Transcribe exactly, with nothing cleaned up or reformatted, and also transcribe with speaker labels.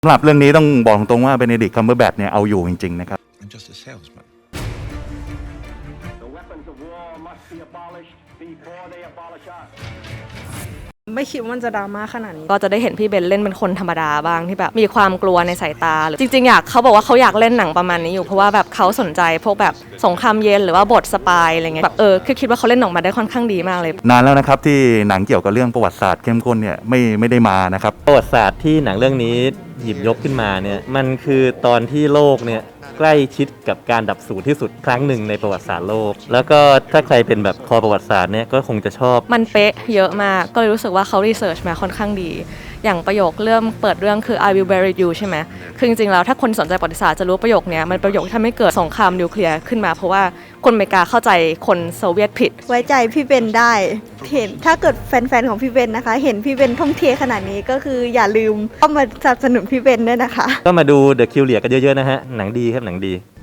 Speaker 1: สำหรับเรื่องนี้ต้องบอกตรงว่าเบเนดิกต์ คัมเบอร์แบทเนี่ยเอาอยู่จริงๆนะครับ
Speaker 2: I'm just a salesman.
Speaker 3: The weapons of war must be abolished before they abolish us.
Speaker 4: ไม่คิดว่ามันจะดราม่าขนาดนี้
Speaker 5: ก็จะได้เห็นพี่เบนเล่นเป็นคนธรรมดาบ้างที่แบบมีความกลัวในสายตาหรือจริงๆอยากเขาบอกว่าเขาอยากเล่นหนังประมาณนี้อยู่เพราะว่าแบบเขาสนใจพวกแบบสงครามเย็นหรือว่าบทสปายอะไรเงี้ยแบบเออคือคิดว่าเขาเล่นออกมาได้ค่อนข้างดีมากเลย
Speaker 1: นานแล้วนะครับที่หนังเกี่ยวกับเรื่องประวัติศาสตร์เข้มข้นเนี่ยไม่ไม่ได้มานะครับ
Speaker 6: ประวัติศาสตร์ที่หนังเรื่องนี้หยิบยกขึ้นมาเนี่ยมันคือตอนที่โลกเนี่ยใกล้ชิดกับการดับสูญที่สุดครั้งหนึ่งในประวัติศาสตร์โลกแล้วก็ถ้าใครเป็นแบบคอประวัติศาสตร์เนี่ยก็คงจะชอบ
Speaker 5: มันเป๊ะเยอะมากก็เลยรู้สึกว่าเขารีเสิร์ชมาค่อนข้างดีอย่างประโยคเริ่มเปิดเรื่องคือ I will bury you ใช่ไหมคือจริงๆแล้วถ้าคนสนใจประวัติศาสตร์จะรู้ประโยคนี้มันประโยคที่ทำให้เกิดสงครามนิวเคลียร์ขึ้นมาเพราะว่าคนอเมริกาเข้าใจคนโซเวียตผิด
Speaker 7: ไว้ใจพี่เบนได้เห็นถ้าเกิดแฟนๆของพี่เบนนะคะเห็นพี่เบนท่องเที่ยวขนาดนี้ก็คืออย่าลืมเข้ามาสนับสนุนพี่เบนด้วยนะคะ
Speaker 6: ก็มาดู The Curious กันเยอะๆนะฮะหนังดีครับหนังดี